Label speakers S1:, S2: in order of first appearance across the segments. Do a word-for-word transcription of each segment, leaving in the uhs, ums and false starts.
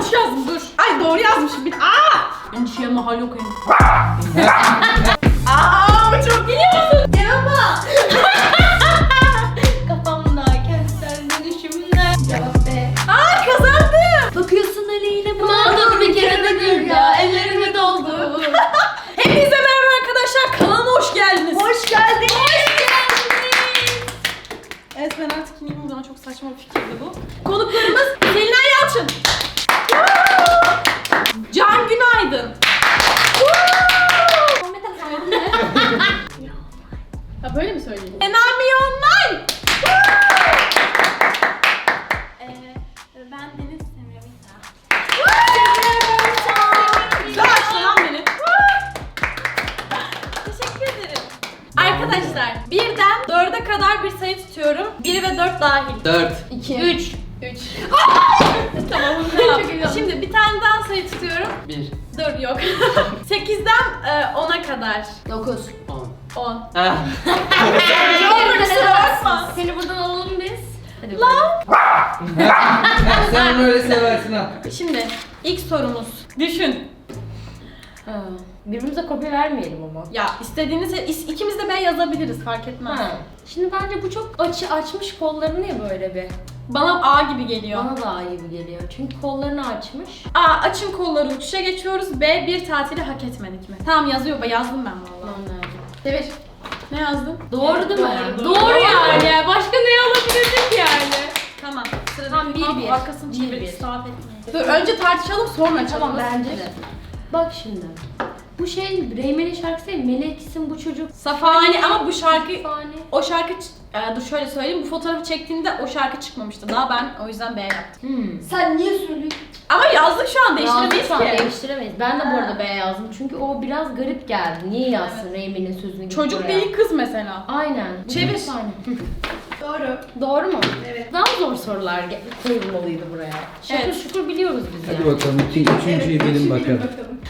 S1: yanlış yazdım dur. Ay doğru yazmışım bir. Aa! Endişeye mahal yok henüz. Aa bu çok biliyorsun.
S2: Cevaba. Kafamda kentsel dönüşümler. Cevap B.
S1: Aa kazandım.
S2: Bakıyorsun öyle mağdur bir kere de gül ya. Ellerime doldu.
S1: Hepinize merhaba arkadaşlar. Kanalıma hoş geldiniz.
S2: Hoş geldiniz.
S1: Hoş geldiniz. Evet ben artık ineyim o zaman, çok saçma bir fikirdi bu. Konuklarımız Selinay Yalçın. Can Günaydın. Ha böyle mi söyleyeyim? Enami Online.
S2: Ee, ben Deniz Semravita.
S1: Güzel açtı lan beni. Teşekkür ederim. Arkadaşlar birden dörde kadar bir sayı tutuyorum. bir ve dört dahil.
S3: dört.
S2: iki.
S1: üç. üç. Tamam.
S2: Çok iyi oldu.
S1: Şimdi bir tane daha sayı tutuyorum.
S3: bir.
S1: Dur yok. sekizden e, ona kadar.
S2: dokuz.
S3: on.
S1: on.
S3: Ah.
S1: Ne olur kusura bakma.
S2: Seni buradan alalım biz. Hadi
S1: Lan.
S3: Sen onu öyle seversin ha.
S1: Şimdi ilk sorumuz. Düşün.
S2: Ha, birbirimize kopya vermeyelim ama.
S1: Ya istediğiniz is- ikimiz de ben yazabiliriz, fark etmez.
S2: Ha. Şimdi bence bu çok açı açmış kollarını ya böyle bir.
S1: Bana A gibi geliyor.
S2: Bana da A gibi geliyor. Çünkü kollarını açmış.
S1: A. Açın kolları uçuşa geçiyoruz. B. Bir tatili hak etmedik mi? Tamam yazıyor. Yazdım ben valla.
S2: Ben nerede?
S1: Devir. Ne yazdın?
S2: Doğru değil mi?
S1: Doğru,
S2: Doğru,
S1: doğru.
S2: yani. Başka ne alabilirdik yani?
S1: Tamam. Sırada
S2: Tamam, bir, bir.
S1: Arkasını
S2: Bir,
S1: çevirip
S2: bir.
S1: israf etmeyin. Dur önce tartışalım sonra açalım.
S2: Tamam bence de. Bak şimdi. Bu şey Reymen'in şarkısı değil, Meleksin bu çocuk.
S1: Safani ama bu şarkı
S2: Safani.
S1: o şarkı ç- e, dur şöyle söyleyeyim, bu fotoğrafı çektiğimde o şarkı çıkmamıştı. Daha ben o yüzden B yaptım.
S2: Hmm. Sen niye söylüyorsun?
S1: Ama yazdık şu an, değiştiremeyiz
S2: Değiştiremeyiz
S1: ki.
S2: Değiştiremeyiz. Ben de bu arada B yazdım çünkü o biraz garip geldi. Niye yazsın evet. Reymen'in sözünü gibi
S1: Çocuk
S2: oraya?
S1: değil kız mesela.
S2: Aynen.
S1: Çevir.
S2: Aynen.
S1: Doğru.
S2: Doğru mu?
S1: Evet.
S2: Daha zor sorular ge- koyulmalıydı buraya. Şükür
S1: Evet.
S2: şükür biliyoruz biz
S3: Hadi
S2: yani.
S3: bakalım. Üçüncü, üçüncüyü bilin bakalım.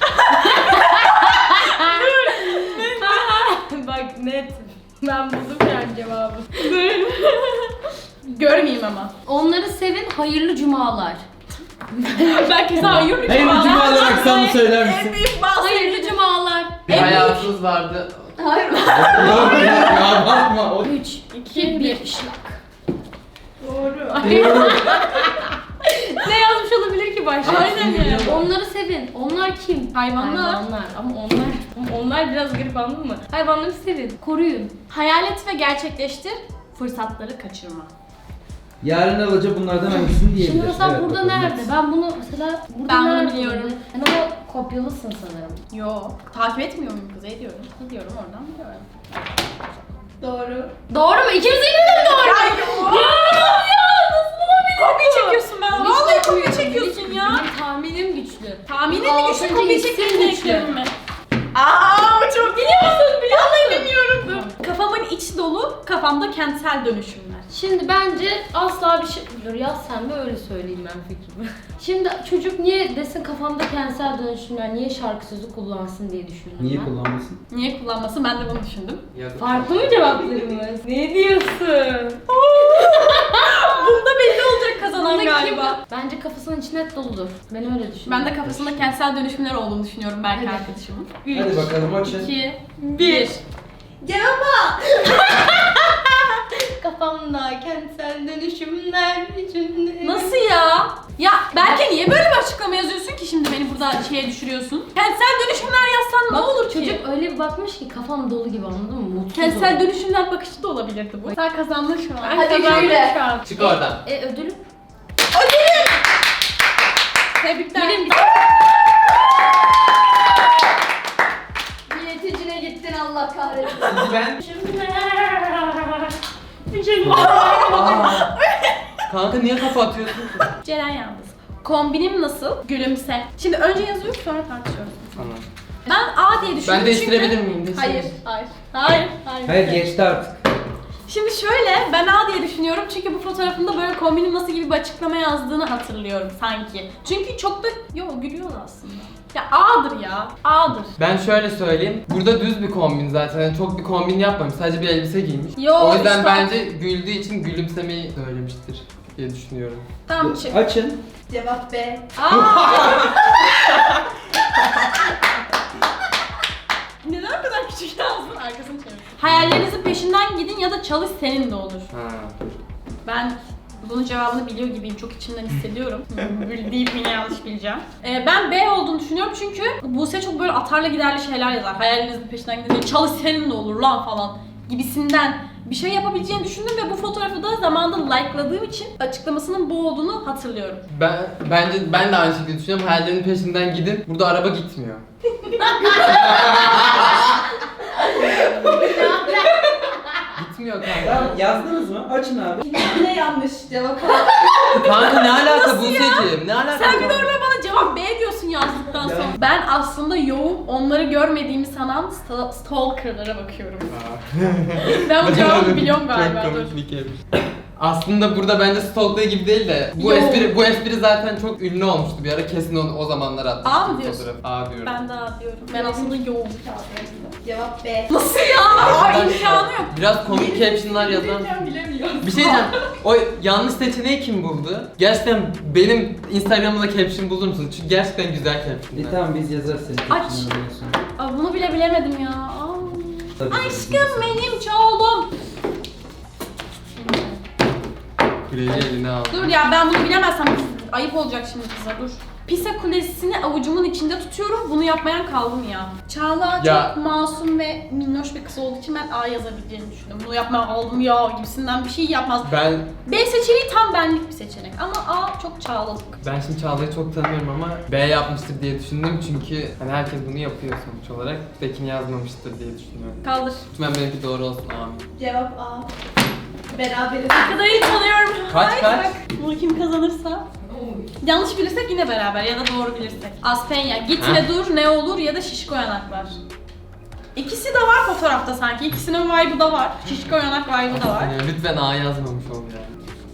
S2: Bak net. Ben buldum yani cevabı.
S1: Görmeyeyim ama.
S2: Onları sevin, hayırlı cumalar.
S1: Belki sen hayırlı
S3: Hayırlı cumalar aksanı söyler
S1: En
S3: misin?
S1: büyük bahsi.
S2: Hayırlı cumalar.
S3: Bir
S1: En büyük-
S3: hayatınız vardı.
S2: Hayır.
S3: Yok ya, ya bakma. O...
S2: üç, iki, bir. Şlak.
S1: Doğru.
S2: Ne yazmış olabilir ki başta?
S1: Aynen ya.
S2: Onları sevin. Onlar kim?
S1: Hayvanlar.
S2: Hayvanlar. Ama onlar onlar biraz garip, anladın mı? Hayvanları sevin. Koruyun.
S1: Hayal et ve gerçekleştir. Fırsatları kaçırma.
S3: Yarın alaca bunlardan hangisini diyebilir?
S2: Şimdi mesela
S3: Evet,
S2: burada
S3: bakalım.
S2: nerede? Ben bunu mesela burada
S1: Ben bunu
S2: nerede?
S1: biliyorum.
S2: Ben ama kopyalısın sanırım.
S1: Yo. Takip etmiyor muyum kızı? Ediyorum. Ediyorum oradan biliyorum. Doğru.
S2: Doğru mu? İkimiz de mi doğru?
S1: Ya yo.
S2: Ya nasıl olabilir?
S1: Kopya çekiyorsun ben. Vallahi kopya çekiyorsun ya.
S2: Benim tahminim güçlü.
S1: Tahminin mi güçlü,
S2: Altıncı
S1: kopya
S2: isim
S1: çektiğin
S2: güçlü.
S1: eklerim mi? Aaa bu çok biliyorsun. Vallahi bilmiyorum. Kafamın içi dolu, kafamda kentsel dönüşümler.
S2: Şimdi bence asla bir şey... Dur yaz sen de öyle söyleyeyim ben fikrimi. Şimdi çocuk niye desin kafamda kentsel dönüşümler, niye şarkı sözü kullansın diye düşündüm
S3: Niye
S2: ben.
S3: kullanmasın?
S1: Niye kullanmasın? Ben de bunu düşündüm.
S2: Farklı mı cevaplarımız? Ne diyorsun?
S1: Bunda belli olacak kazanan
S2: Bunda kim?
S1: galiba.
S2: Bence kafasının içi net doludur. Ben öyle düşünüyorum.
S1: Ben de kafasında kentsel dönüşümler olduğunu düşünüyorum belki
S2: Evet.
S1: arkadaşımın.
S3: Hadi bakalım açın.
S1: iki, bir.
S2: Cevaba! Kafamda kentsel dönüşümler içinde.
S1: Nasıl ya? Ya belki niye böyle bir açıklama yazıyorsun ki şimdi beni burada şeye düşürüyorsun? Kentsel dönüşümler yazsan ne
S2: Bak,
S1: olur ki?
S2: çocuk öyle bir bakmış ki kafam dolu gibi, anladın mı? Mutsuz
S1: Kentsel
S2: ol.
S1: dönüşümler bakışı da olabilirdi bu. Sen kazandın şu an.
S2: Hadi şöyle.
S1: Şu an.
S3: Çık oradan.
S2: E ödülüm?
S1: Tebrikler.
S2: Bilim. Bileticine gittin, Allah kahretsin.
S3: Sizi ben...
S2: Bir şey
S3: Aa. Kanka niye kafa atıyorsun ki?
S1: Ceren yalnız. Kombinim nasıl? Gülümse. Şimdi önce yazıyoruz sonra tartışıyoruz.
S3: Tamam.
S1: Ben A diye düşündüm
S3: Ben değiştirebilir
S1: çünkü...
S3: miyim?
S1: Hayır,
S3: Değiştirebilir.
S1: hayır, hayır, hayır.
S3: Hayır geçti artık.
S1: Şimdi şöyle, ben A diye düşünüyorum çünkü bu fotoğrafında böyle kombinim nasıl gibi bir açıklama yazdığını hatırlıyorum sanki. Çünkü çok da, yo gülüyor aslında. Ya A'dır ya, A'dır.
S4: Ben şöyle söyleyeyim. Burada düz bir kombin zaten. Yani çok bir kombin yapmamış. Sadece bir elbise giymiş.
S1: Yo,
S4: o yüzden
S1: işte-
S4: bence güldüğü için gülümsemeyi söylemiştir. diye düşünüyorum.
S1: Tamam çık.
S3: Açın.
S5: Cevap B.
S1: Aa! Neden o kadar küçük yazdın? Arkasını çevir. Hayallerinizin peşinden gidin ya da çalış senin de olur.
S4: Ha.
S1: Ben bunun cevabını biliyor gibiyim. Çok içimden hissediyorum. Böyle deyip yine yanlış bileceğim. Ee, ben B olduğunu düşünüyorum çünkü Buse çok böyle atarlı giderli şeyler yazar. Hayallerinizin peşinden gidin. Çalış senin de olur lan falan gibisinden bir şey yapabileceğini düşündüm ve bu fotoğrafı da zamanında like'ladığım için açıklamasının bu olduğunu hatırlıyorum.
S4: Ben bence ben de aynı şekilde düşünüyorum. Hayallerinin peşinden gidin. Burada araba gitmiyor. Gitmiyor kanka.
S3: Tamam yazdınız mı? Açın abi.
S5: Ne yanlış cevap A.
S4: Kanka ne alaka Buse'ciğim? Ne alaka?
S1: Sen bir de orada bana cevap B diyorsun yazdıktan sonra. Ben aslında yoğun, onları görmediğimi sanan sta- stalker'lara bakıyorum. Ben bu cevabı biliyorum galiba.
S4: Çok
S1: Dur.
S4: komik bir kelime. Aslında burada bence stalklığı gibi değil de bu
S1: Yo.
S4: espri bu espri zaten çok ünlü olmuştu bir ara, kesin onu o zamanlar atmıştım.
S1: A mı diyorsun?
S4: fotoğrafı. A diyorum.
S1: Ben daha diyorum. Ben aslında yoğun.
S5: Cevap B.
S1: Nasıl ya? Ay imkanı yok.
S4: Biraz komik captionlar yazan.
S5: Bilemiyorum.
S4: Bir şey diyeceğim. O yanlış seçeneği kim buldu? Gerçekten benim Instagram'da caption bulur musunuz? Çünkü gerçekten güzel
S3: E
S4: captionlar.
S3: tamam biz yazarız senin
S1: Aç.
S3: caption'ını ondan sonra.
S1: Aa, bunu bile bilemedim ya. Aa.
S3: Tabii,
S1: Aşkım benim çoğulum.
S4: Kuleyi eline aldı.
S1: Dur ya ben bunu bilemezsem ayıp olacak şimdi kıza dur. Pisa Kulesi'ni avucumun içinde tutuyorum. Bunu yapmayan kaldı mı ya? Çağla
S4: Ya.
S1: çok masum ve minnoş bir kız olduğu için ben A yazabileceğini düşündüm. Bunu yapmayan kaldım ya gibisinden bir şey yapmaz.
S4: Ben
S1: B seçeneği tam benlik bir seçenek ama A çok Çağlalık.
S4: ben şimdi Çağla'yı çok tanımıyorum ama B yapmıştır diye düşündüm çünkü hani herkes bunu yapıyor sonuç olarak. Tekin yazmamıştır diye düşünüyorum.
S1: Kaldır.
S4: Lütfen benimki doğru olsun amin.
S5: Cevap A. Beraberiz.
S1: Ne kadar iyi tanıyorum.
S4: Kaç,
S1: Ay,
S4: kaç?
S1: bak, bunu kim kazanırsa. Yanlış bilirsek yine beraber ya da doğru bilirsek. Aspenya, gitme
S4: Ha?
S1: dur ne olur ya da şişko yanaklar. İkisi de var fotoğrafta sanki. İkisinin vibe'ı da var. Şişko yanak vibe'ı da var.
S4: Yani lütfen A yazmamış ol yani.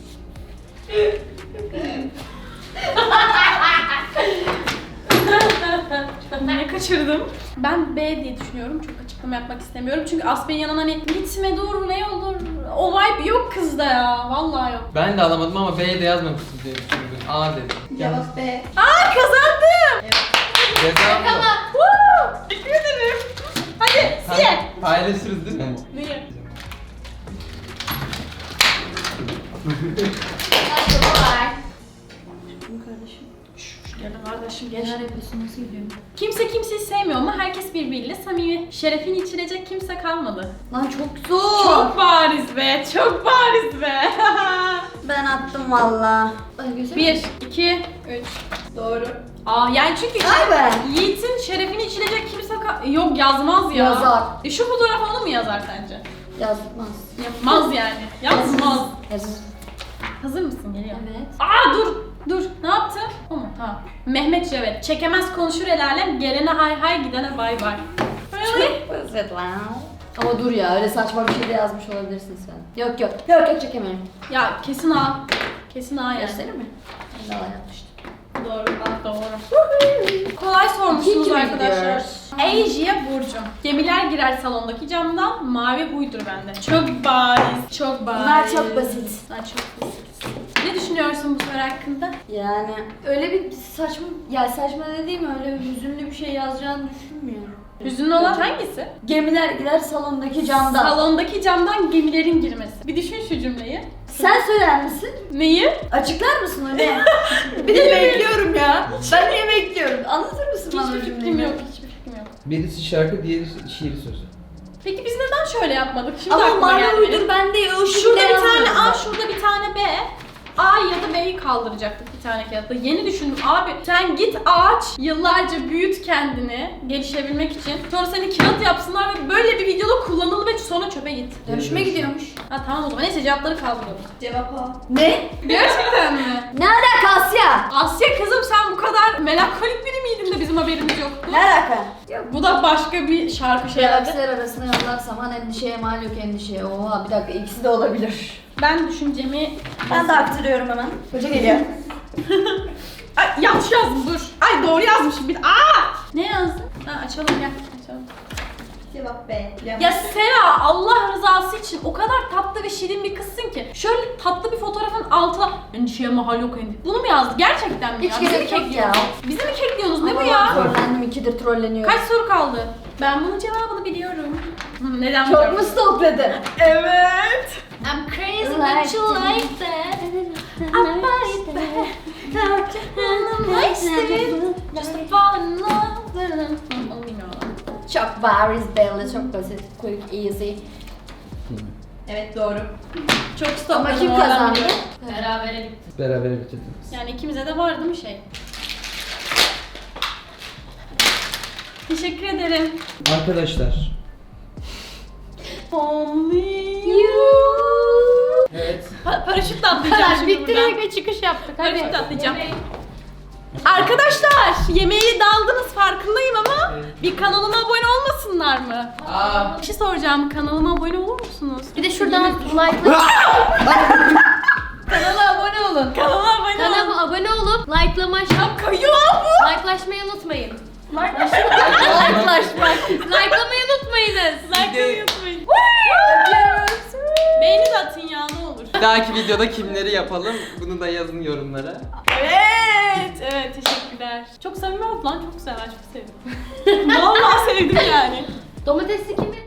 S1: Ne kaçırdım? Ben B diye düşünüyorum. Çok açıklama yapmak istemiyorum. Çünkü Aspenya'nın hani gitme dur ne olur. O vibe yok kızda ya. Vallahi yok.
S4: Ben de alamadım ama B'ye de yazmamıştır diye düşündüm. A dedim.
S5: Cevap B.
S1: Aa kazandım.
S4: Ceza mı?
S1: Woo! Teşekkür ederim. Hadi siye.
S4: Paylaşırız değil mi?
S1: Niye? Gel kardeşim gel.
S2: Neler yapıyorsun, nasıl gidiyor?
S1: Kimse kimseyi sevmiyor ama herkes birbiriyle samimi. Şerefini içirecek kimse kalmadı.
S2: Lan çok zor.
S1: Çok bariz be, çok bariz be.
S5: Ben attım valla.
S2: Ay, göster.
S1: Bir, iki, üç.
S5: Doğru.
S1: Aa yani çünkü
S5: Vay be.
S1: Yiğit'in şerefini içilecek kimse ka- yok yazmaz ya.
S2: Yazar.
S1: E şu fotoğraf onu mu yazar sence?
S2: Yazmaz.
S1: Yapmaz yani. Yazmaz.
S2: Yazmaz.
S1: Hazır mısın? Geliyor.
S2: Evet.
S1: Aa dur, dur. Ne yaptın? O mu? Tamam. Mehmet Cevet. Çekemez konuşur el alem, gelene hay hay, gidene bay bay. Really?
S5: Basit lan.
S2: Ama dur ya, öyle saçma bir şey de yazmış olabilirsin sen. Yok yok. Yok yok çekemiyorum.
S1: Ya kesin A. Kesin A yani.
S2: Gösterir mi? Ben de alay yapmıştım.
S1: Doğru, A doğru. Kolay sormuşsunuz
S2: İkinci mi
S1: arkadaşlar.
S2: gidiyoruz?
S1: Asia Burcu. Gemiler girer salondaki camdan, mavi huydur bende. Çok bariz, çok bariz.
S2: Bunlar çok basit.
S1: Bunlar çok basit. Ne düşünüyorsun bu soru hakkında?
S2: Yani öyle bir saçma, ya saçma dediğim öyle bir hüzünlü bir şey yazacağını düşünmüyorum.
S1: Hüzünlü olan hangisi?
S2: Gemiler gider salondaki camdan.
S1: Salondaki camdan gemilerin girmesi. Bir düşün şu cümleyi.
S2: Sen söyler misin?
S1: Neyi?
S2: Açıklar mısın öyle?
S5: Bir de bekliyorum ya. Ben niye bekliyorum? Anlatır mısın bana
S1: Hiçbir
S5: o
S1: fikrim
S5: cümleyi?
S1: yok, hiçbir fikrim yok.
S3: Birisi şarkı, diğeri şiir sözü.
S1: Peki biz neden şöyle yapmadık? Şimdi
S2: Ama
S1: aklıma
S2: mavi
S1: geldi
S2: uydur
S1: benim.
S2: ben de o
S1: Şurada
S2: şekilde
S1: bir tane
S2: yazmadım.
S1: A, şurada bir tane B. A ya da B'yi kaldıracaktık bir tane kağıtta. Yeni düşündüm. Abi sen git ağaç, yıllarca büyüt kendini gelişebilmek için. Sonra seni kağıt yapsınlar ve böyle bir videoda kullanıl ve sonra çöpe git.
S2: Dönüşüme gidiyormuş.
S1: Ha tamam o zaman. Neyse cevapları kaldıralım.
S5: Cevap A.
S2: Ne?
S1: Gerçekten mi?
S2: Ne alaka Asya?
S1: Asya kızım sen bu kadar melankolik biri miydin de bizim haberimiz yoktu?
S2: Ne alaka?
S1: Bu da başka bir şarkı şey herhalde.
S2: Galaksiler arasında yollarsam han endişeye mal yok endişeye. Oha bir dakika ikisi de olabilir.
S1: Ben düşüncemi...
S5: Ben de aktarıyorum hemen. Hoca geliyor.
S1: Ay yanlış yazdım dur. Ay doğru yazmışım bir de. Aa! Ne yazdın? Ha açalım gel. Açalım.
S5: Cevap B.
S1: Ya Sera, Allah rızası için o kadar tatlı ve şirin bir kızsın ki şöyle tatlı bir fotoğrafın altına endişeye mahal yok endişe. Bunu mu yazdı? Gerçekten mi
S5: Hiç
S1: ya? Bizi mi
S5: gerek yok ya.
S1: kekliyorsunuz? Bizi mi kekliyorsunuz? Ne bu ya?
S5: Trollendim, ikidir trolleniyorum.
S1: Kaç soru kaldı? Ben bunun cevabını biliyorum. Hı, Neden
S5: Çok
S1: biliyorum?
S5: mu stalkladın?
S1: Evet. I'm crazy
S5: Like
S1: that you
S5: that.
S1: like that. I'm like that. I'm wasted. Just to fall in love. Onu bilmiyorum.
S5: Çok bariz belli, çok basit, quick, easy.
S1: Evet doğru. Çok
S5: Ama
S1: stokladım.
S5: kim
S1: oradan
S5: kazandı?
S1: biliyorum.
S2: Berabere bitti.
S3: Beraber bitirdiniz.
S1: Yani ikimize de var değil mi şey? Teşekkür ederim.
S3: Arkadaşlar.
S1: Only you.
S3: Evet.
S1: Pa- paraşütle atlayacağım
S2: Kadar
S1: şimdi
S2: bitti
S1: buradan.
S2: ve çıkış yaptık. Hadi.
S1: Paraşütle atlayacağım. Arkadaşlar yemeği daldınız farkındayım ama bir kanalıma abone olmasınlar mı?
S4: Aa.
S1: Bir şey soracağım, kanalıma abone olur musunuz?
S2: Bir de şuradan like
S5: Kanala abone olun.
S1: Kanalıma abone olun.
S2: Kanalıma abone olup likelamayı
S1: Kayıyor lan bu.
S2: likelamayı unutmayın.
S5: Yaklaşmak.
S2: Likelamayı unutmayınız.
S1: Like'lamayı unutmayın. Beğeni de atın ya ne olur.
S4: Bir dahaki videoda kimleri yapalım? Bunu da yazın yorumlara.
S1: Evet, evet teşekkürler. Çok samimi oldu lan, çok güzel, ben çok sevdim. Vallahi sevdim yani.
S2: Domatesli kimi?